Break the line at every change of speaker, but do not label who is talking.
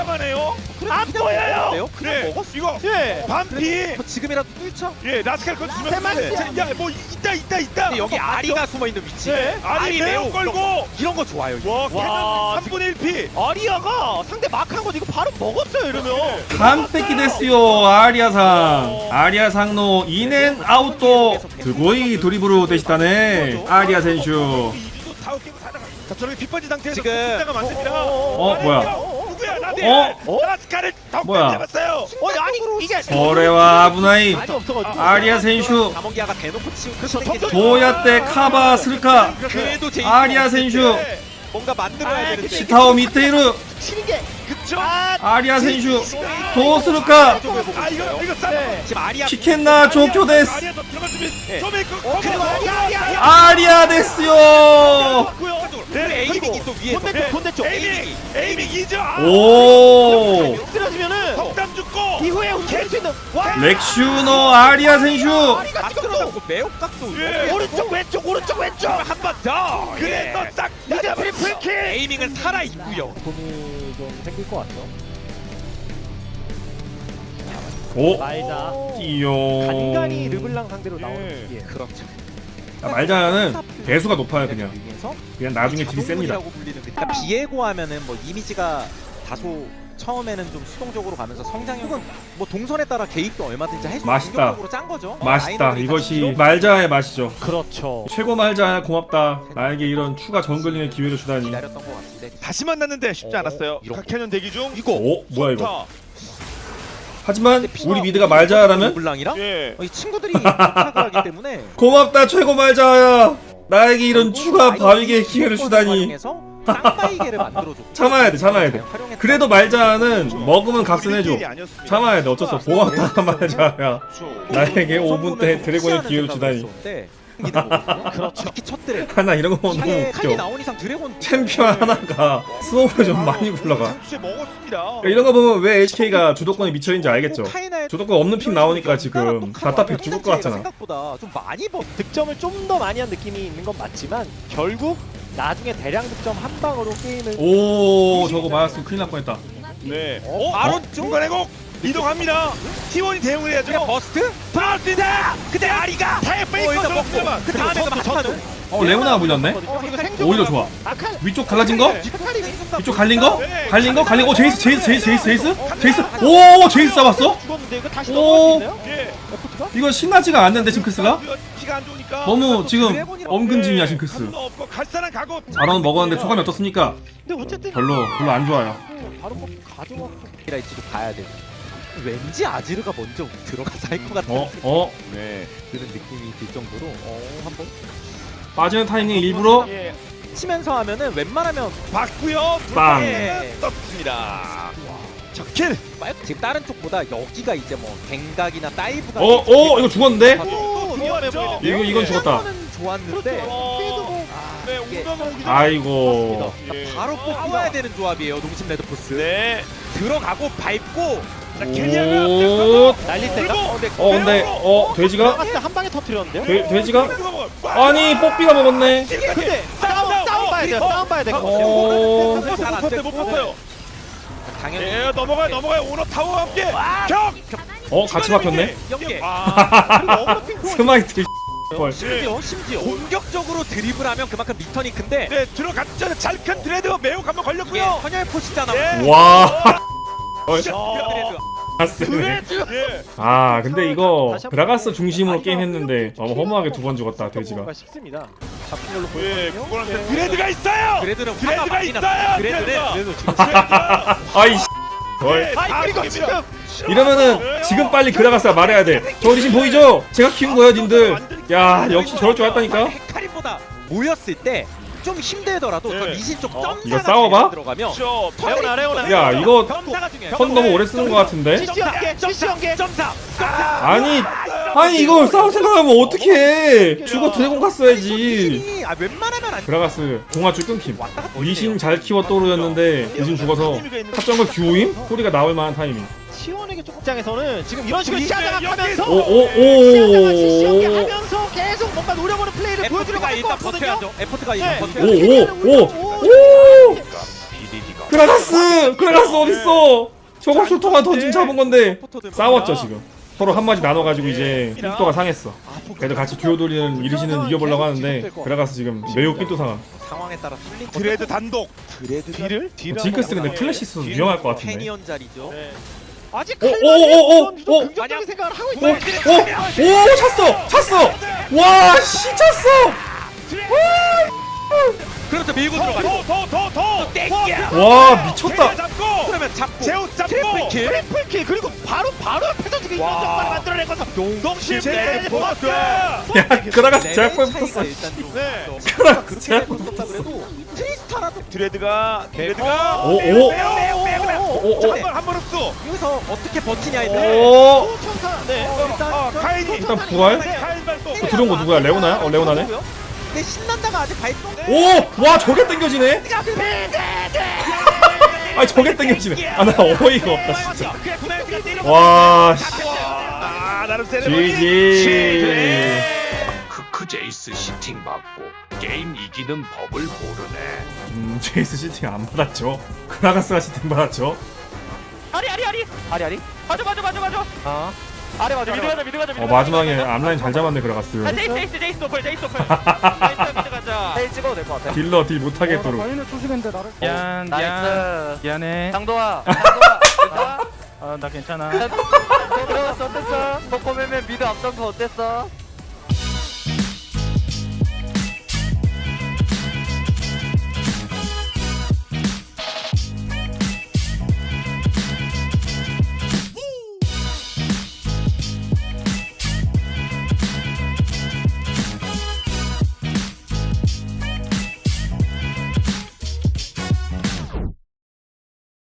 하네요.
안 보여요.
그냥
네,
먹었어.
이거
예.
반피.
지금이라도 뚫죠.
예, 라스칼 건 주면
세마리.
야, 뭐 있다.
근데 여기 아리가 숨어 있는 위치.
네.
아리 매우 걸고.
이런 거 좋아요.
와,
와,
캐논 3분의 1피.
아리아가 상대 막한 거 이거 바로 먹었어요 이러면.
깜빡이 됐어요. 아리아상. 아리아상노 인앤 아웃도 드고이 드리블로 되시다네. 아리아 선수.
자, 저렇게 빗번지 상태에서
지금
숫자가 많습니다.
뭐야?
누구야? 나네. 라스칼을
뭐야?
잡았어요.
아니 이게
저래와 아부나이.
많이 없어가지고.
아리아 선수.
다몽기아가 대놓고 치고
그렇죠.
도야떼 카바 스르카.
그래도 제이스
아리아 선수.
뭔가 만들어야 되는데
시타오 미테이르.
치는 게
그쵸?
아리아 선수. 도스르카.
아, 이거 싸.
네.
지금 아리아
치켄나 조쿄 데스.
아리아 더 들어갈 준비.
네.
좀 있고.
그리고
아리아 데스요.
네,
에이밍이 또 위에서
본대쪽.
에이밍 2죠.
오.
쓰러지면은
덕담 죽고.
이후에 움직일 수 있는 와.
렉슈너 아리아 선수.
아리가 지금 또
각도로 매혹각도
예.
오른쪽 왼쪽.
한번 더. 그래, 너싹
이제 트리플 킬.
에이밍은 살아 있고요.
돈이 좀 생길 것 같죠.
오.
말자.
띠용.
간간히 르블랑 상대로 나오는
예.
게
그렇죠.
말자는 배수가 높아요 그냥.
위해서
그냥 나중에 딜이 셉니다.
자동문이라고 불리는 그러니까 비에고 하면은 뭐 이미지가 다소 처음에는 좀 수동적으로 가면서 성장형은 뭐 동선에 따라 개입도 얼마든지 할 수 있는
맛있다.
공격적으로 짠 거죠.
맛있다.
라인업이
이것이
같이
말자의 맛이죠.
그렇죠.
최고 말자야 고맙다. 나에게 이런 추가 정글링의 기회를 주다니.
기다렸던 것 같은데
다시 만났는데 쉽지 않았어요.
이런
각캐년 대기 중.
오 뭐야 이거.
좋다.
하지만 우리 미드가 말자라면
블랑이랑
예.
이 친구들이 부탁을 하기 때문에
고맙다 최고 말자야. 나에게 이런 추가 바위의 기회를 주다니.
쌍바이게를 만들어줘.
참아야 돼. 그래도 말자는 먹으면 값은 해줘. 참아야 돼. 어쩔 수 없어. 고맙다 말자야. 나에게 5분 때 드래곤의 기회를 주다니.
그렇죠. 특히 첫 드래곤.
하나 이런 거 너무
이게 칼이
웃겨.
나온 이상 드래곤
챔피언 하나가 스노우를 좀 많이 굴러가.
상추에 먹었습니다.
그러니까 이런 거 보면 왜 HK가 주도권에 미쳐있는지 알겠죠. 주도권 없는 픽 나오니까 지금 답답해 죽을 것 같잖아.
생각보다 좀 많이
득점을 좀 더 많이 한 느낌이 있는 건 맞지만 결국 나중에 대량 득점 한 방으로 게임을
오 저거 맞았으면 큰일 날 뻔했다.
네.
바로
중간에 곡 이동합니다. T1이 대응을 해야죠.
그냥 버스트?
버스트다.
근데 아리가
페이커
일단 먹고
들어가면
그 다음에도 막타는
레오나가 물렸네.
이거 생존
오히려 좋아.
아칼
위쪽 갈라진 거?
아칼이
위쪽 갈린 거? 오 제이스.
오
오 제이스 잡았어?
죽었는데 이거 다시
오.
넘어갈 수 있나요?
예.
에포트가?
이거 신나지가 않는데 징크스가?
피가 안 좋으니까.
너무 지금 엄근짐이야 징크스.
한도 없고 갈 사람 가고.
잘원 먹었는데 소감이 어떻습니까?
근데 어쨌든
별로 안 좋아요.
바로 뭐 가져왔고
이라이치도 봐야 돼. 왠지 아지르가 먼저 들어가서 할 것 같은
네.
그런 느낌이 들 정도로 한번
빠지는 타이밍 일부러
예.
치면서 하면은 웬만하면
봤고요.
빵.
떴습니다. 적킬.
지금 다른 쪽보다 여기가 이제 뭐 갱각이나 다이브가
이거 죽었는데?
오 위험해 보이는데요?
이건 죽었다.
는 좋았는데
그래도 뭐
네,
이게-
웅덩 오기
아이고.
예.
바로 뽑아야 되는 조합이에요. 농심 레드포스
네.
들어가고 밟고
자,
오.
캐리어가
날릴 때가
근데 돼지가?
들어갔을 때 한 방에 터뜨렸는데요?
돼지가? 아니 뽀삐가 먹었네.
근데 싸움 봐야 돼요. 싸움 봐야 돼요.
어.
못 봤어요.
당연히
예, 넘어가요. 오너 타워와 함께 격.
같이 박혔네.
연계
아.
스마이트. 헐.
심지어 공격적으로 드리블하면 그만큼 리턴이 큰데
네, 들어갔죠. 잘 큰 드레드 매우 한번
이게
걸렸고요.
헌혈포시잖아.
예.
와.
드레드.
아쓰네.
예.
근데 이거 그라가스 중심으로 게임 했는데 너무 허무하게 두 번 죽었다 돼지가.
싶습니다. 잡힌 걸로
예,
보이거든요.
그거는 드레드가 있어요.
드레드는 화가
드레드가
많이
있어요.
났어. 드레드는
드레드가.
지금
아이 헐.
그리고 지금
이러면은 지금 빨리 그라가스가 말해야 돼. 저 리신 보이죠? 제가 키운 거예요, 님들. 야, 역시 저럴 줄 알았다니까.
헤카림보다 모였을 때 좀 힘들더라도 저
네.
리신 쪽
어?
점사가
이거 싸워봐?
들어가면
저
레오나.
야, 이거
점사가 중요해요.
턴 너무 오래 쓰는 거 같은데?
CC 연계.
점사.
아니 이거 싸움 생각하면 어떡해. 죽어 드래곤 갔어야지.
리신이 웬만하면 안
그라가스 공화줄 끊김.
왔다 갔다
리신 잘 키워 또르였는데 리신 죽어서 탑정글 규호임? 소리가 나올 만한 타이밍.
시원에게 쪽 입장에서는 지금 이런 식으로 시야장악하면서
오오오.
하면서 계속 뭔가 노려보는 플레이를 보여주려고
에포트가
할 것
일단
같거든요.
버텨야죠. 에포트가
네.
일단 버텨야죠.
오오오. 그라가스 어딨어? 저걸 술토가 던진 잡은 건데 싸웠죠 지금. 서로 한마디 나눠가지고 이제 삔또가 상했어. 그래도 같이 듀오 돌리는 이르시는 이겨보려고 하는데 그라가스 지금 매우 삔또 상함.
상황에 따라 풀린
드레드 단독.
딜을?
징크스 근데 플래시 있어서 위험할 것 같은데.
캐니언 자리죠.
아직
오오오오오
긍정적인 생각을 하고
오!
있는
오! 찼어! 와! 씨 찼어!
그렇죠 밀고 들어가죠.
더 땡겨.
와 미쳤다.
잡고.
그러면 잡고
제우스 잡고.
트리플킬 그리고 바로 앞에서 지금 이런 정말 만들어낸 거죠.
동심
제일
보았어.
야 그라가스 제약포에
차이가
붙었어.
일단 좀
네.
그라가스
그렇게
제약포
됐었다 그래도 트리스타라도
드레드가
오, 오.
한번 흡수.
여기서 어떻게 버티냐인데
오!
천사. 네.
카인이
일단 부활?
카인 발동.
들어온 거 누구야? 레오나야? 레오나네?
근데 신난다가 아직 발동
오! 와 저게 땡겨지네? 아 저게 땡겨지네. 아 나 어이가 없다 진짜. 와 씨.
나름 세레머니.
GG.
크크 제이스 시팅 받고 게임 이기는 법을 모르네.
제이스 시팅 안 받았죠. 그라가스가 시팅 받았죠.
아리. 맞아. 아. 아래 맞아. 미드 가자.
마지막에 앞라인 잘 잡았네 그라가스.
제이스 노플. 미드 가자. 제이 찍어도 될 것 같아.
딜러 딜 못하겠도록.
미안해.
장도아.
나 괜찮아.
들어갔어. 어땠어? 코코맨맨 미드 앞선 거 어땠어?